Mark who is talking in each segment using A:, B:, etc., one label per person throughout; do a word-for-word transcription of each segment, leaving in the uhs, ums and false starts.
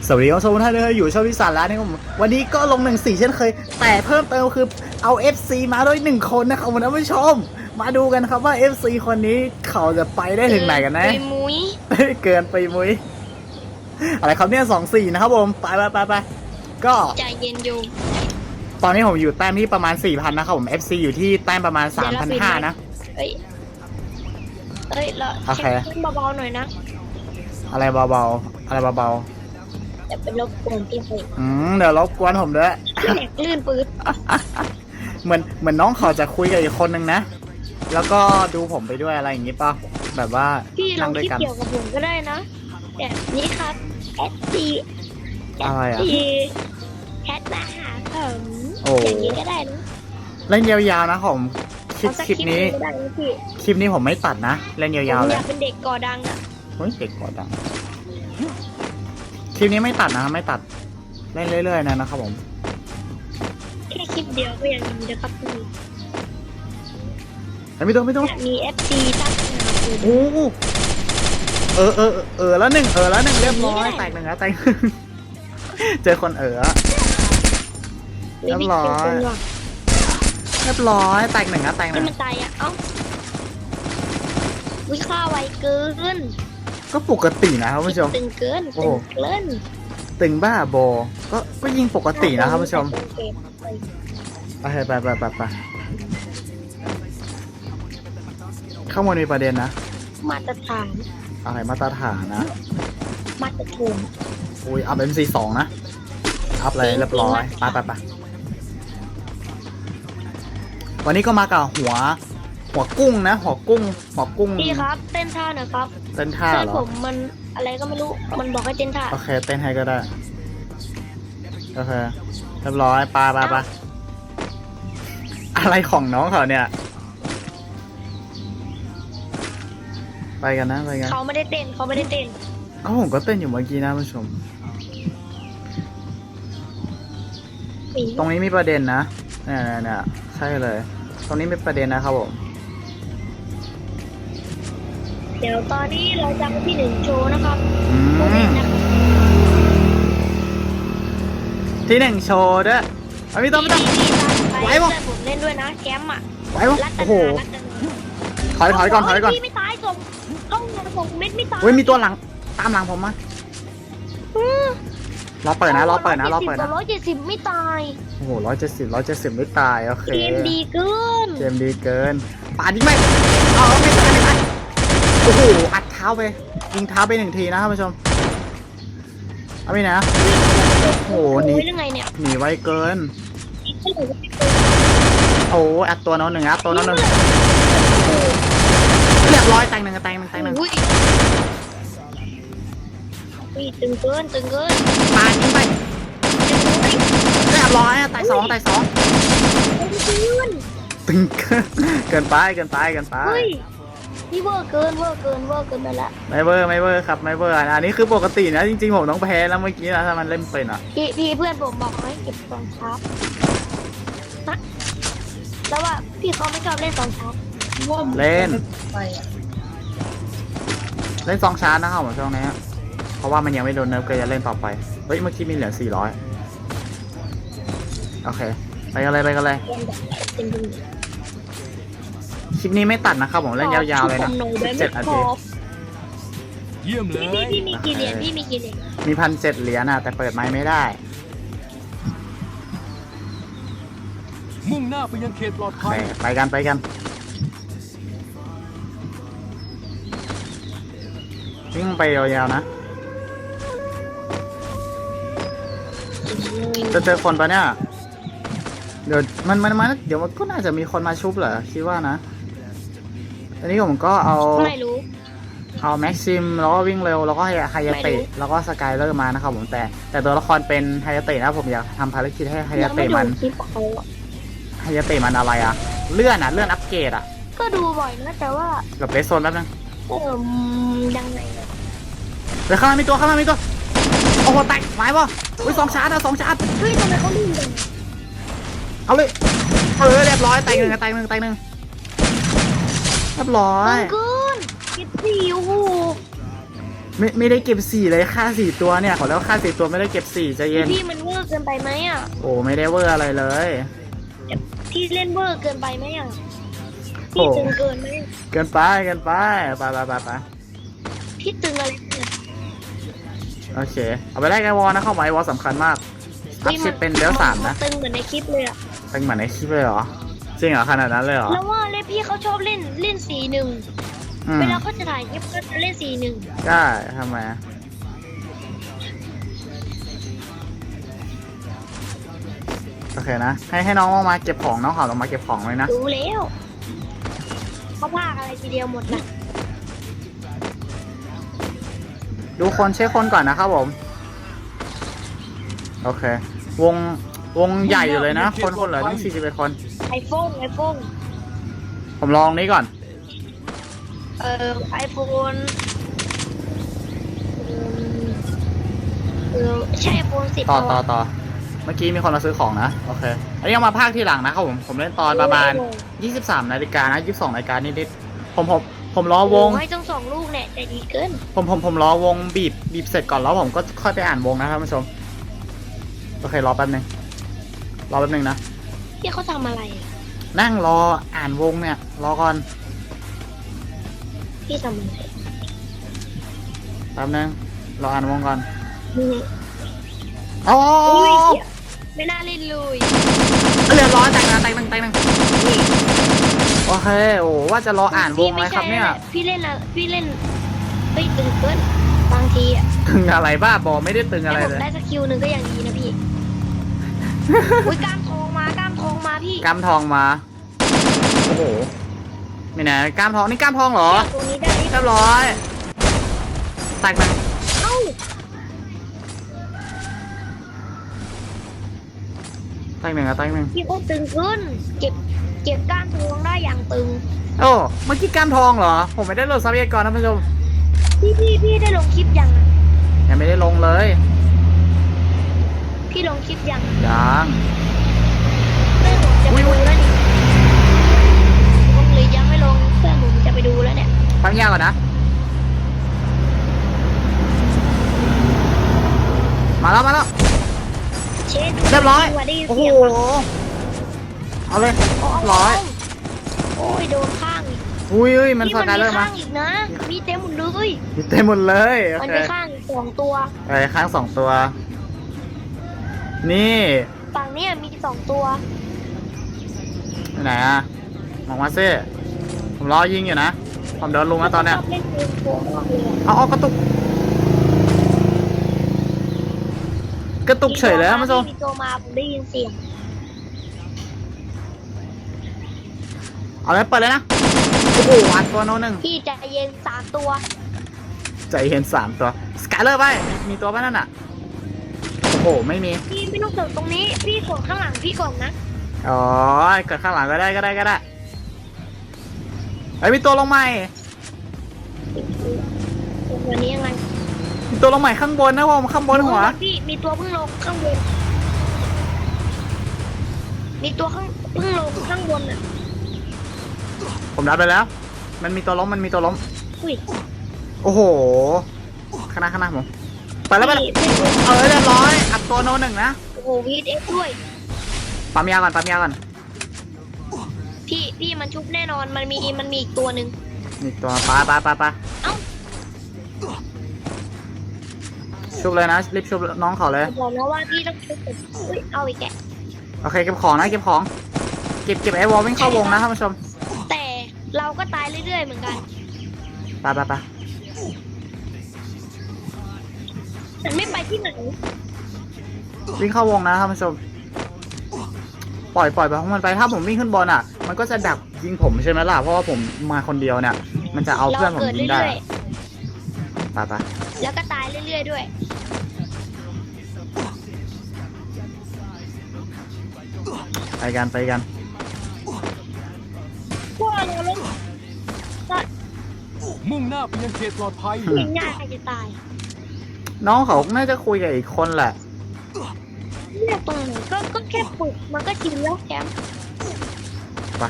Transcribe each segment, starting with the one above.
A: สวัสดีครับทุกท่านเลยอยู่ช่องวิสารแล้วนะครับผมวันนี้ก็ลงหนึ่งสี่เช่นเคยแต่เพิ่มเติมคือเอา เอฟ ซี มาด้วยหนึ่งคนนะครับคุณผู้ชมมาดูกันครับว่า เอฟ ซี คนนี้เขาจะไปได้ถึงไหนกันนะ
B: ไปมุ้ย
A: เกินไปมุ้ยอะไรครับเนี่ยสองสี่นะครับผมไปไปไปไปก็
B: ใจเย็นอยู่
A: ตอนนี้ผมอยู่แต้มที่ประมาณ สี่พัน นะครับผม เอฟ ซี อยู่ที่แต้มประมาณ สามพันห้าร้อย นะ
B: เอ้ยเอ้ยเรา
A: โอเค
B: เช็คเบาๆหน่อยนะ
A: อะไรเบาๆอะไรเบา
B: อย่าเป็นรบกวนพี่เฟย
A: ๆอืมเดี๋ยวรบกวนผมด้วย
B: แหลกลื่นปื๊ด
A: เหมือนเหมือนน้องเขาจะคุยกับอีกคนนึงนะ แล้วก็ดูผมไปด้วยอะไรอย่างงี้ป่ะแบบว่า
B: พี่ลอ
A: นั่
B: ง
A: งด้วย
B: คิด
A: กัน
B: เกี่ยวกับผมก็ได้นะแบบนี้ครับแอดซี
A: อะไรอ่ะ
B: ซีแคทมาหาผม
A: โอ้
B: อย่างนี้ก็ได้นะ
A: เล่นยาวๆนะผมคลิป
B: เอาสัก
A: คลิปนี้
B: ก็ได้นะพี่
A: คลิปนี้ผมไม่ตัดนะเล่นยาวๆ
B: ผม
A: เล
B: อย ยากเป็นเด็กก่อดังอ่ะ
A: เฮ้ยเด็กกว่าดังคลิปนี้ไม่ตัดนะไม่ตัดเล่นเรื่อยๆนะนะครับผม
B: แค่คลิปเดียวก็ยังดีนะครับพี่
A: ไม่ต้องไม่ต้อง
B: มีเอฟซีตั้งหาคุณ
A: โอ้เออเออเออแล้วหนึ่งเออแล้วหนึ่งเรียบร้อยแตกหนึ่งแล้วแตก เจอคนเออ เรียบร้อย
B: เป็นคนว่ะ
A: เรียบร้อยแตกหนึ่งแล้วแตกห
B: ที่
A: นึ่ง
B: มันตายอ่ะ เอ้าวิค่าไวเกิน
A: ก็ปกตินะครับผู้ชม
B: ตึงเกิน
A: โอ้
B: ตึงเกิน
A: ตึงบ้าบอก็ก็ยิงปกตินะครับผู้ชม
B: โอเคไป
A: โอเคไปไปไปไปข้างบนมีประเด็นนะ
B: มาตรฐาน
A: อะไรมาตรฐานนะ
B: มาตรฐาน
A: อุ้ยอัพ เอ็ม ซี สองนะอัพเลยเรียบร้อยไปไปไปวันนี้ก็มากับหัว หัวกุ้งนะ หัวกุ้ง หัวกุ้ง
B: พี่ครับ เต้นท่าหน่อยครับ
A: เต้นท่า
B: เพื่อน
A: เหรอ
B: ผมมันอะไรก็ไม่รู้ มันบอกให้เต้นท่า
A: โอเคเต้นให้ก็ได้โอเคเรียบร้อยไปไปไปอะไรของน้องเขาเนี่ยไปกันนะไปกัน
B: เขาไม่ได้เต้นเขาไม่ได้เต้น
A: ก็ผมก็เต้นอยู่เมื่อกี้นะผู้ชม
B: หนี
A: ตรงนี้มีประเด็นนะเนี่ยเนี่ยเนี่ยใช่เลย ตรงนี้มีประเด็นนะครับผม
B: เดี๋ยวตอนนี้เราจะมาที่หนึ่งโชว์นะครับ
A: อื
B: โอเค
A: ม
B: นะครับ
A: ที่หนึ่งโชว์ด้วยเอาไม่ต้องไม่ต้อง
B: พี่พี่ตามไป
A: ไหวปะ
B: เพื่อนผมเล่นด้วยนะแคมป์อ่ะ
A: ไหวปะ
B: รัต
A: โอ้
B: นา
A: โห
B: รัตนา
A: ถอยถอยก่อนถอยก่อน
B: พี่ไม่ตายส่งเข้าเงินส่งเม็ดไม่ตาย
A: เฮ้ยมีตัวหลังตามหลังผมมา
B: อืม
A: รอเปิดนะรอเปิดนะรอเปิดนะ
B: ร้อยเจ็ดสิบไม่ตาย
A: โอ้โหร้อยเจ็ดสิบร้อยเจ็ดสิบไม่ตายโอเค
B: เกมดีเกิน
A: เกมดีเกินป่าดยิงไม่เอาไม่ตายไม่ตายโอ้โหอัดเท้าไปยิงเท้าไปหนึ่งทีนะท่านผู้ชมเอาไปนะโอ้โหหนี
B: ได้ไงเนี่ย
A: หนีไวเกินโอ้อัดตัวน้องหนึ่งอัดตัวน้องหนึ่งเรียบร้อยแตงหนึ่งแตงหนึ่งแตงหนึ่ง
B: อุ้ยอุ้ยตึงเกินตึงเกิน
A: ป่าดยิงไปเรียบร้อยอะแตงสองแตงสอง
B: ตึงเกิน
A: ตึงเกินเกินไปเกินไปเกินไป
B: เฮ้ยนี่เวอร์เกินเวอร์เกินเวอร์เกินไปละ
A: ไม่เวอร์ไม่เวอร์ครับไม่เวอร์อันนี้คือปกตินะจริงๆผมต้องแพ้แล้วเมื่อกี้นะถ้ามันเล่นเป็นอ่ะ
B: พี่พี่เพื่อนผมบอกให้เก็บสองชาร์ปนะแล้วว่าพี่เขาไม่ชอบเล่นสองชาร์ป
A: เล่นเล่นสองชาร์จนะครับผมช่วงนี้เพราะว่ามันยังไม่โดนเนิร์ฟก็จะเล่นต่อไปเฮ้ยเมื่อกี้มีเหลือสี่ร้อยโอเคไปกันเลยไปกันเลย
B: เล่นแบบเต็มที่
A: คลิปนี้ไม่ตัดนะครับผมเล่นยาวๆเลยนะ
B: ผมหอยแบบ
A: เจ็ด
B: ไม่
A: นา
B: พ
A: ที
B: อ
C: เยี่ยมเล
B: พี่
C: ย
B: พี่พี่มีกี่เหรียญพี่มีกี่เหรียญ
A: มีพันเจ็ดเหรียญนะแต่เปิดไม้ไม่ได้
C: มุ่งหน้าไปยังเขตปลอด
A: ไป
C: ภัย
A: ไปกันไปกันวิ่งไปยาวๆนะจะเจอคนปะเนี่ยเดี๋ยวมันมันมันเดี๋ยวมันก็น่าจะมีคนมาชุบเหรอคิดว่านะอันนี้ผมก็เอา
B: ไม่รู้
A: เอาแม็กซิมแล้วก็วิ่งเร็วแล้วก็ไฮยา
B: ไม่
A: เตะ
B: รู้
A: แล้วก็สกายเลอร์มานะครับผมแต่แต่ตัวละครเป็นไฮยาเตะนะผมอยากทำภารกิจให้ไฮยา
B: ยังไม่
A: เตะ
B: ดู
A: มัน
B: คลิปเขาอะ
A: ไฮยาเตะมันอะไรอะเลื่อนอะเลื่อนอัปเกรดอะ
B: ก็ดูบ่อยนะแต่ว่า
A: กับเลสโซนแป๊บนึง
B: เออยังไงอะ
A: เดี๋ยวข้างล่างมีตัวข้างล่างมีตัวโอ้โหแตกหมายป่ะอุ้ยสองชาร์จนะสองชาร์จ
B: เฮ้ยทำไมเขาลืมจัง
A: เอาเลยเออเรียบร้อยแตกหนึ่งแตกหนึ่งแตกหนึ่งเรียบร้อย
B: ตึงเกินคิดสิโอ้โห
A: ไม่ไม่ได้เก็บสี่เลยค่าสี่ตัวเนี่ยขอแล้วค่าสี่ตัวไม่ได้เก็บสี่ใจเย็น
B: พี่มันเวอร์เกินไปไหมอ่ะ
A: โอ้ไม่ได้เวอร์อะไรเลย
B: พี่เล่นเวอร์เกินไปไหมอ่ะ
A: โอ้
B: พี่ตึงเกินไหม
A: เกินไปเกินไปไปไปไปไป
B: พี่ตึงอะไรเนี่ย
A: โอเคเอาไปได้ไงวอลนะเข้าไว้วอลสำคัญมากอัพสิบเป็นเดลสามนะ
B: ตึงเหมือนในคลิปเลยอ่ะ
A: เป็นเหมือนในคลิปเลยเหรอจริงเหรอขนาดนั้นเลยเหรอ
B: แล้วว่าเล่นพี่เขาชอบเล่นเล่นสีหนึ่ง
A: อืม
B: เวลาเขาจะถ่ายคลิปก็จะเล่นสีหนึ่ง
A: ได้ทำไมอะโอเคนะให้ให้น้องลงมาเก็บของน้องขอลงมาเก็บของเลยนะ
B: รู้แล้วเขาพากอะไรทีเดียวหมดนะ
A: ดูคนเช็คคนก่อนนะครับผมโอเค วงวงใหญ่อยู่เลยนะ คนคนเหลือตั้งสี่สิบเอ็ดคน
B: ไอโฟนไอโฟน
A: ผมลองนี้ก่อน
B: เอ่อไอโฟนเออใช่ไอโฟนสิบ
A: ต่อต่อต่อเมื่อกี้มีคนมาซื้อของนะโอเคอันนี้เอามาภาคที่หลังนะครับผมผมเล่นตอนประมาณยี่สิบสามนาฬิกานะยี่สิบสองนาฬิกานิดๆผมผมผมรอวง
B: ให้ต้องสองลูกเนี่ยแต่ดีเกิน
A: ผมผมผมรอวงบีบบีบเสร็จก่อนแล้วผมก็ค่อยไปอ่านวงนะท่านผู้ชมโอเครอแป๊บนึงรอแป๊บนึงนะ
B: พี่เขาทำอะไรอะ
A: นั่งรออ่านวงเนี่ยรอก่อน
B: พี่ทำอะไร
A: แป๊บนึงรออ่านวงก่อน
B: อืม
A: อ๋อ
B: อุ้ยเหี้ยไม่น่าเล่นเลย
A: เรียบร้อยแต่งนะแต่งหนึ่งแต่งหนึ่งโอเคโอ้ว่าจะรออ่านวงไหมครับเนี่ย
B: พี่เล่นอะพี่เล่นเฮ้ยตึงเกินบางทีอะ
A: ตึงอะไรบ้าบอไม่ได้ตึงอะไร
B: ให้ผ
A: เล
B: ม
A: ย
B: ได้สกิลหนึ่งก็ยังดีนะพี่ อุ้ยกล้ามทองมากล้ามทองมาพี่
A: กล้ามทองมาโอ้โหไม่นะกล้ามทองนี่กล้ามทองเหรอ
B: ตรงนี้ได้
A: เรียบร้อยแตกหนึ่ง
B: เอ้า
A: แตกหนึ่งอะแตกหนึ่ง
B: พี่ก็ตึงขึ้น เก็บเก็บกล้ามทองได้อย่างตึง
A: โอ้เมื่อกี้กล้ามทองเหรอผมไม่ได้โหลดทรัพยากรท่านผู้ชม
B: พี่พี่พี่ได้ลงคลิปยังอะ
A: ยังไม่ได้ลงเลย
B: พี่ลงคลิปยัง
A: ยัง
B: เพื่อนผมจะไปดูแล้วนี่ผมเลยยังไม่ลงเพื่อนผมจะไปดูแล้วเนี่ย
A: ฟังยากก่อนนะมาแล้วมาแล้ว
B: เชด
A: เรียบร้อย
B: ว่าได้ยิน
A: โอ้โห
B: เสียงปะ
A: เอาเลย
B: โอ้
A: ร้อย
B: โอ้ยโดนข้างอีก
A: อุ้ยอุ้ยมัน
B: นี่
A: สกายเลอร์มา
B: ข้างอีกนะ มีเต็มหมดเลย
A: เต็มหมดเลยโอ
B: มัน
A: เค
B: ไปข้างอีกสองตัว
A: ไอ้ข้างสองตัว นี่
B: ฝั่งเนี้ยมีสองตัว
A: ที่ไหนอะมองมาซิผมรอยิงอยู่นะ ผมโดนลุงแล้วตอนเนี้ย
B: ชอบเล่นเกมโกงมากเลยอะ
A: เอาเอากระตุก กระตุกเฉยเลยท่านผู้ชม
B: มีตัวมาผมได้ยินเสียง
A: เอาเลยเปิดเลยนะ โอ้โหอัดตัวโน้นหนึ่ง
B: พี่ใจเย็นสามตัว
A: ใจเห็นสามตัว สกายเลอร์ไป มีตัวป่ะนั่นอะโอ้โห ไม่มี
B: พี่ไม่ต้องเกิดตรงนี้ พี่กดข้างหลังพี่ก่อนนะ
A: อ๋อเกิดข้างหลังก็ได้ก็ได้ก็ได้ไอ้ยมีตัวลงใหม่
B: วันนี้ยังไง
A: มีตัวลงใหม่ข้างบนนะผมข้างบนหัว
B: พี่มีตัวเพิ่งลงข้างบน มีตัวข้างเพิ่งลงข้างบนอ่ะ
A: ผมรับไปแล้ว มันมีตัวล้ม มันมีตัวล้ม
B: อุ้ย
A: โอ้โหข้างหน้าข้างหน้าผมไปแล้วไปแล้ว
B: พี่ไม่รู้
A: เออเรียบร้อย อัดตัวโนหนึ่งนะ
B: โอ้โหวีดเอฟด้วย
A: ปั๊มยาก่อนปั๊มยาก่อน
B: พี่พี่มันชุบแน่นอน มันมีมันมีอีกตัวหนึ่ง
A: นี่ตัวปลาปลาปลาปลา
B: เอ้า
A: ชุบเลยนะ รีบชุบน้องเขาเลย
B: บอกแล้วว่าพี่ต้องชุบกับอุ้ยเอาอีกแกะ
A: โอเคเก็บของนะเก็บของ เก็บเก็บไอ้วอลวิ่งเข้าวงนะท่านผู้ชม
B: แต่เราก็ตายเรื่อยๆเหมือนกัน
A: ไปไปไป
B: มันไม่ไปที่ไหน
A: วิ่งเข้าวงนะท่านผู้ชม ปล่อยปล่อยไปของมันไป ถ้าผมวิ่งขึ้นบอลอ่ะ มันก็จะดักยิงผมใช่ไหมล่ะ เพราะว่าผมมาคนเดียวเนี่ย มันจะเอาเพื่อนผม
B: เกิด
A: ยิงได้
B: เรื่อย
A: ไปไป
B: ๆ แล้วก็ตายเรื่อยๆด้วย
A: ไปกันไปกัน
B: พวกเราเล่นก็
C: มุ่งหน้าไปยังเขตปลอดภัย
B: ยิงง่ายจะตาย
A: น้องเขาน่าจะคุยกับอีกคนแหละ
B: เลือกตรงไหนก็ก็แค่ปลุกมันก็ชินแล้วแคมป์
A: ไป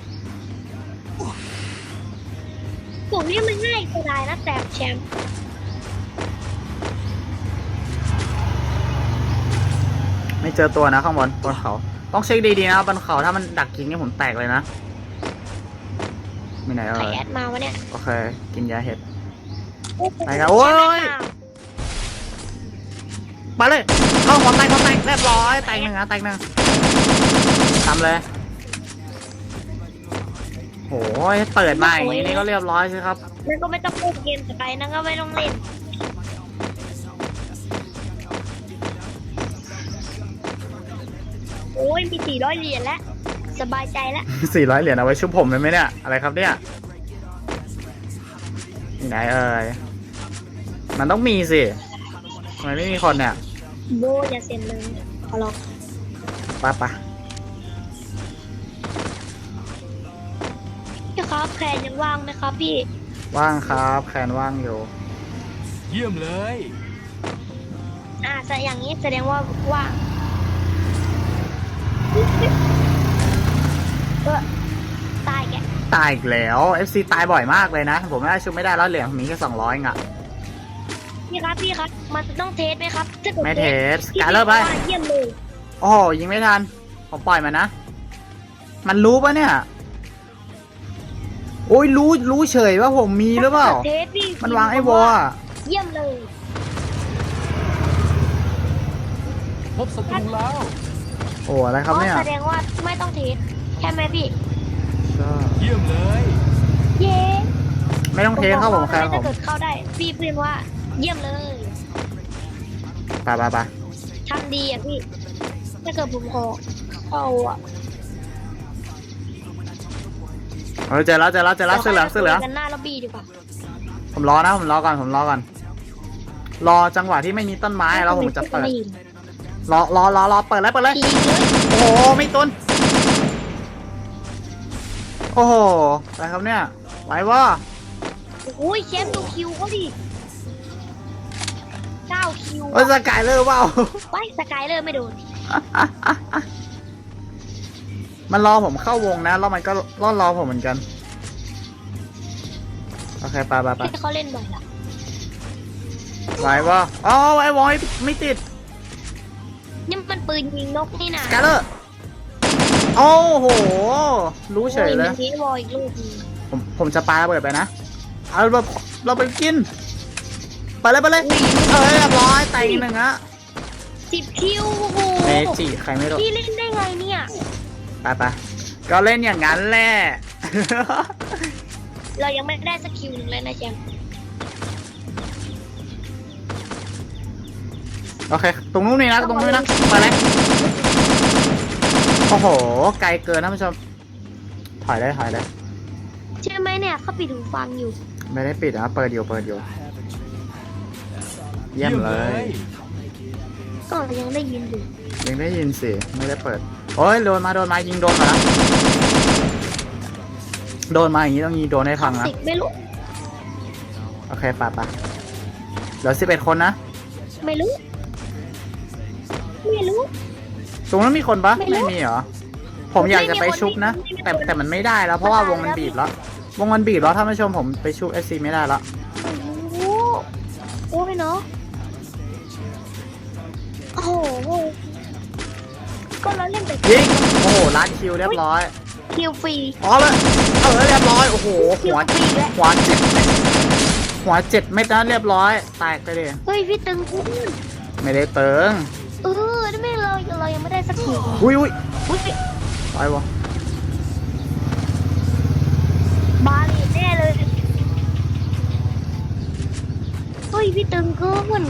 B: ปลุกนี่มันง่ายจะได้นะแต่แชมป์
A: ไม่เจอตัวนะข้างบนบนเขาต้องเช็คดีๆนะบนเขาถ้ามันดักยิงนี่ผมแตกเลยนะมีไหนเอ่
B: ใคร
A: ย
B: แอดมาวะเนี่ย
A: โอเคกินยาเห็ด ไปครับโอ้ย มาเลยเข้าหัวแตกหัวแตกเรียบร้อยแตกหนึ่งนะแตกหนึ่งทำเลยโอ้ยเปิดมาอย่างนี้นี่ก็เรียบร้อยใช่ครับ
B: นั่นก็ไม่ต้องเล่นเกมสไปนั่นก็ไม่ต้องเล่นโอ้ยมีสี่ร้อยเหรียญแล้วสบายใจแล้ว
A: สี่ร้อยเหรียญเอาไว้ชุบผมเลยไหมเนี่ยอะไรครับเนี่ยมีไหนเอ่ยมันต้องมีสิทำไมไม่มีคนเนี่ย
B: โบอย่าเซ็นเลยขอร้อง
A: ไปไป
B: พี่ครับแคนยังว่างไหมครับพี่
A: ว่างครับแคนว่างอยู่
C: เยี่ยมเลย
B: อ่าแต่อย่างนี้แสดงว่าว่างก็ตายแก
A: ตายอีกแล้ว เอฟ ซี ตายบ่อยมากเลยนะ ผมไม่ได้ชุบไม่ได้แล้วเหรียญผมมีแค่สองร้อยอ่ะ
B: พี่ครับพี่ครับมันต้องเทสไหมครับถ้ากิด
A: ไม่เทส
B: พี่
A: การเลิกไป
B: ว่าเยี่ยมเลย
A: โอ้โหยิงไม่ทัน ผมปล่อยมันนะ มันรู้ปะเนี่ย โอ้ยรู้รู้เฉยว่าผมมีหรือเปล่า
B: เทสพี่
A: มันวางไอ้วอลอะ
B: เยี่ยมเลย
C: พบศัตรูแล้ว
A: โอ้อะไรครับเนี่ย
B: อ๋อแสดงว่าไม่ต้องเทสใช่ไหมพี่
A: ก็
C: เยี่ยมเลย
B: เย้
A: ไม่ต้องเทสครับผมแค่ผ
B: ถ้าม เกิดเข้าได้ พี่เพื่อนว่าเยี่ยมเลย
A: ไปไปไป
B: ทำดีอ่ะพี่ ถ้าเกิดผมขอเข้าอ่ะ
A: เออเจอแล้วเจอแล้วเจอแล้วเสื้อเหลืองเสื้อเหลือง
B: กันหน้าล็อบบี้ดีกว่า
A: ผมรอนะผมรอก่อนผมรอก่อน รอจังหวะที่ไม่มีต้นไม้แล้วผมจะเปิด รอรอรอรอเปิดเลยเปิดเลย
B: ดีเลย
A: โอ้โหไม่ตุนโอ้โหอะไรครับเนี่ยไหววะ
B: โอ้ยแชมป์ดูคิวเขาดิเก้าคิว
A: เออสกายเลอร์เปล่า
B: ไว้สกายเลอร์ไม่โดน
A: มันรอผมเข้าวงนะแล้วมันก็รอรอผมเหมือนกันโอเคไปไปไป
B: ที่เขาเล่นบ่อยละ
A: ไหววะอ๋อไหววอยไม่ติด
B: นี่มันปืนยิงนกนี่นะ
A: สกายเลอร์โอ้โหรู้เฉยเลย
B: โอ้มีวอลอีกลูกหนึ่ง
A: ผมผมจะปาระเบิดไปนะเอาแบบเราไปกินไปเลยไปเลยเออเรียบร้อยแตกอีกหนึ่งอะ
B: สิบคิวโอ้โห
A: เมจิใครไม่รู้
B: พี่เล่นได้ไงเนี่ย
A: ไปไปก็เล่นอย่างนั้นแหละ
B: เรายังไม่ได้สักคิวหนึ่งเลยนะแชมป์
A: โอเค ตรงนู้นนี่นะ ตรงนู้นนะไปเลยโอ้โห ไกลเกินท่านผู้ชม ถอยได้ถอยได้
B: ใช่ไหมเนี่ยเขาปิดหูฟังอยู่
A: ไม่ได้ปิดนะ เปิดอยู่ เปิดอยู่ เยี่ยมเลย
B: ก็ยังได้ยินอยู่
A: ยังได้ยินสิ ไม่ได้เปิด โอ้ย โดนมา โดนมา ยิงโดนมาแล้วโดนมาอย่างนี้ต้องยิงโดนให้พังนะ
B: สิบไม่รู้
A: โอเคไปไปเหลือสิบเอ็ดคนนะ
B: ไม่รู้ ไม่รู้
A: ตรงนั้นมีคนปะ
B: ไม่รู้
A: ไม่มีเหรอ ผมอยากจะไปชุบนะ
B: ไม่มีคน
A: แต่แต่มันไม่ได้แล้ว เพราะว่าวงมันบีบแล้ว วงมันบีบแล้วท่านผู้ชมผมไปชุบเอซีไม่ได้แล้ว
B: โอ้โหโอ้ยเนาะโอ้โหก็เราเล่นแต่
A: ยิง โอ้โหลัดคิวเรียบร้อย
B: คิวฟรี
A: อ๋อเลยเออเรียบร้อย โอ้โห หัว
B: คิวฟรีแล้ว
A: หัวเจ็ดเม็ดหัวเจ็ดเม็ดนะเรียบร้อย แตกไปเลย
B: เฮ้ยพี่ตึงพูด
A: ไม่ได้เติง
B: เออนี่ไม่เราเรายังไม่ได้สักคิว
A: อุ้ยอุ้ย
B: อุ้ย
A: ไปวะ
B: บาลีแน่เลยเฮ้ยพี่ตึงเกิน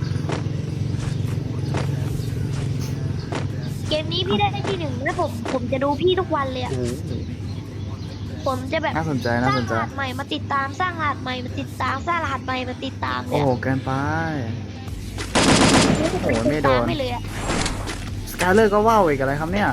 B: เกมนี้พี่ได้ที่หนึ่งแล้วผมผมจะดูพี่ทุกวันเลยอะ
A: โอ้โห
B: ผมจะแบบ
A: น่าสนใจ
B: ส
A: น่า
B: ร้าง
A: สน
B: ร
A: ใจ
B: หัสใหม่มาติดตามสร้างรหัสใหม่มาติดตามสร้างรหัสใหม่มาติดตาม
A: โอ้
B: เนี่ย
A: โหเกินไป โอ้โหไม่โดน
B: ติตาไม่เลยอะ
A: สกายเลอร์ก็ว่าวอีกอะไรครับเนี่ย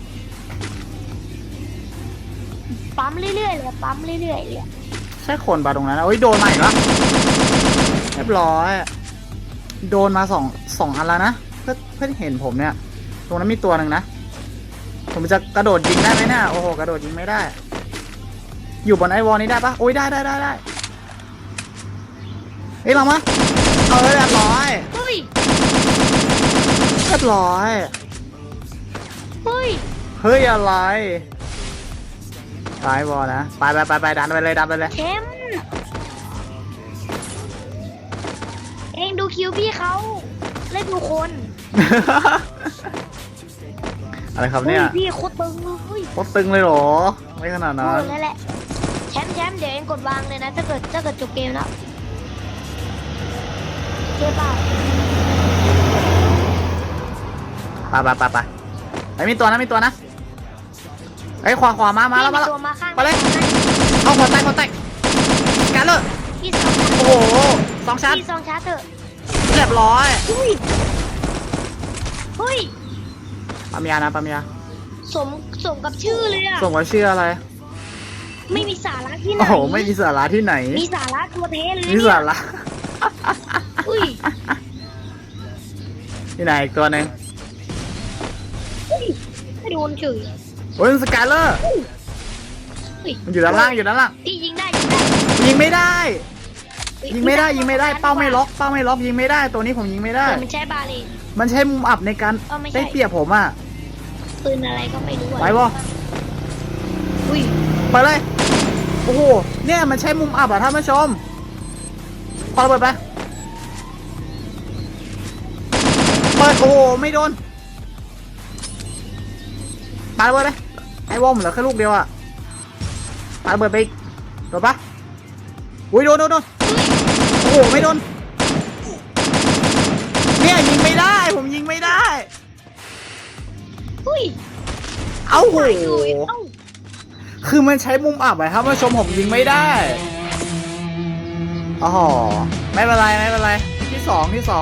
B: ปั๊มเรื่อยๆเลยปั๊มเรื่อยๆเลย
A: ใช่คนปะตรงนั้นนะโอ้ยโดนมาอีกแล้วเรียบร้อย โดนมาสองสองอันแล้วนะ เพื่อเพื่อเห็นผมเนี่ย ตรงนั้นมีตัวหนึ่งนะ ผมจะกระโดดยิงได้ไหมเนี่ยโอ้โห กระโดดยิงไม่ได้ อยู่บนไอวอลนี้ได้ปะโอ้ยได้ได้ได้ได้เฮ้ยลองมาเออเรียบร้อย
B: เฮ้ย
A: เรียบร้อย
B: เฮ้ย
A: เฮ้ยอะไรตายวอลนะไปไปไปไปดันไปเลยดันไปเลย
B: แชมป์เองดูคิวพี่เขาเล่นดูคน
A: อะไรครับ
B: เฮ้
A: เนี่ย ย
B: พี่โคตรตึงเลย
A: โคตรตึงเลยเหรอไม่ขนาด
B: เอ
A: นั้
B: อน นั่นแหละแชมป์แชมป์เดี๋ยวเองกดวางเลยนะถ้าเกิดถ้าเกิดจบเกมแล้วเจ๊เปล่า
A: ไปไปไปไปไอ้ยมีตัวนะมีตัวนะไอ้ยขวาขวามามาแล้วมาแล้ว
B: ตัวมาข้าง
A: ไปเลย เอาหัวแตกหัวแตกกันเลย
B: พี่สอง
A: โอ้โหสองชั้น
B: พี่สองชาร์จเถอะ
A: เรียบร้อย
B: เฮ้ยเฮ้ย
A: ปั๊มยานะปั๊มยา
B: สมสมกับชื่อเลยอะ
A: ส่งว่าชื่ออะไร
B: ไม่มีสาระที่ไหน
A: โอ้โหไม่มีสาระที่ไหน
B: มีสาระตัวเทเลย
A: มี
B: เนี่ย
A: สาระ
B: อุ้ย
A: ที่ไหนอีกตัวหนึ่ง
B: อุ้ยไม่โดนเฉย
A: โอ้ยสกายเลอร์
B: อุ้ย
A: มันอยู่ด้านล่างอยู่ด้านล่าง
B: พี่ยิงได้ยิงได้
A: ยิงไม่ได้
B: เฮ้
A: ยิงไม่ได้ยิงไม่ได้เป้าไม่ล็อกเป้าไม่ล็อกยิงไม่ได้ตัวนี้ผมยิงไม่ได้
B: แต่มันใช้บาเลน
A: มันใช้มุมอับในการ
B: เออไม่ใช่
A: ได้เปรียบผมอ่ะ
B: ปืนอะไรก็ไม่รู้อะ
A: ไปบ่
B: อุ้ย
A: ไปเลยโอ้โหเนี่ยมันใช้มุมอับอ่ะท่านผู้ชมพอระเบิดไปเปิดโอ้โหไม่โดนปาระเบิดเลยไอ้วอมเหลือแค่ลูกเดียวอ่ะปาระเบิดไปอีกโดนปะอุ้ยโดนโดนโดนโอ้โหไม่โดนเนี่ยยิงไม่ได้ผมยิงไม่ได้
B: อุ้ย
A: เอ้าโห
B: ตายเลยเอ้า
A: คือมันใช้มุมอับอะครับท่านผู้ชมผมยิงไม่ได้อ๋อไม่เป็นไรไม่เป็นไรที่สองที่สอง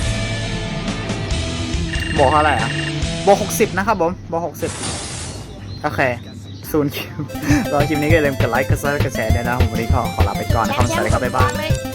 A: บอกเท่าไหร่อะบอกหกสิบนะครับผมบอกหกสิบโอเคศูนย์คิวรอคลิปนี้ก็อย่าลืมกดไลค์กดซับสไครต์กดแชร์ด้วยนะผมวันนี้ขอขอลาไปก่อนนะครับสวัสดีครับบ๊ายบาย
B: เลย